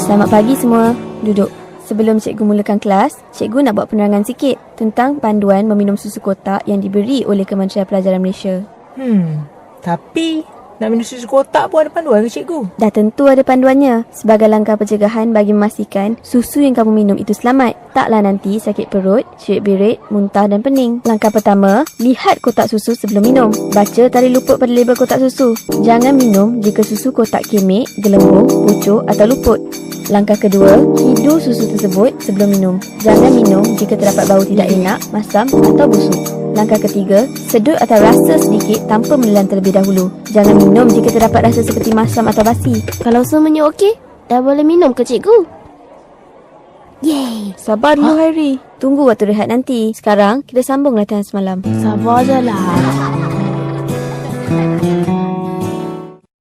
Selamat pagi semua. Duduk. Sebelum cikgu mulakan kelas, cikgu nak buat penerangan sikit tentang panduan meminum susu kotak yang diberi oleh Kementerian Pelajaran Malaysia. Tapi nak minum susu kotak pun ada panduan ke cikgu? Dah tentu ada panduannya sebagai langkah pencegahan bagi memastikan susu yang kamu minum itu selamat. Taklah nanti sakit perut, cerit-berit, muntah dan pening. Langkah pertama, lihat kotak susu sebelum minum. Baca tarikh luput pada label kotak susu. Jangan minum jika susu kotak kemik, gelembung, pucuk atau luput. Langkah kedua, hidu susu tersebut sebelum minum. Jangan minum jika terdapat bau tidak enak, masam atau busuk. Langkah ketiga, sedut atau rasa sedikit tanpa menelan terlebih dahulu. Jangan minum jika terdapat rasa seperti masam atau basi. Kalau semuanya okey, dah boleh minum ke cikgu? Yeay. Sabar dulu Hairi. Tunggu waktu rehat nanti. Sekarang kita sambung latihan semalam. Sabar je lah.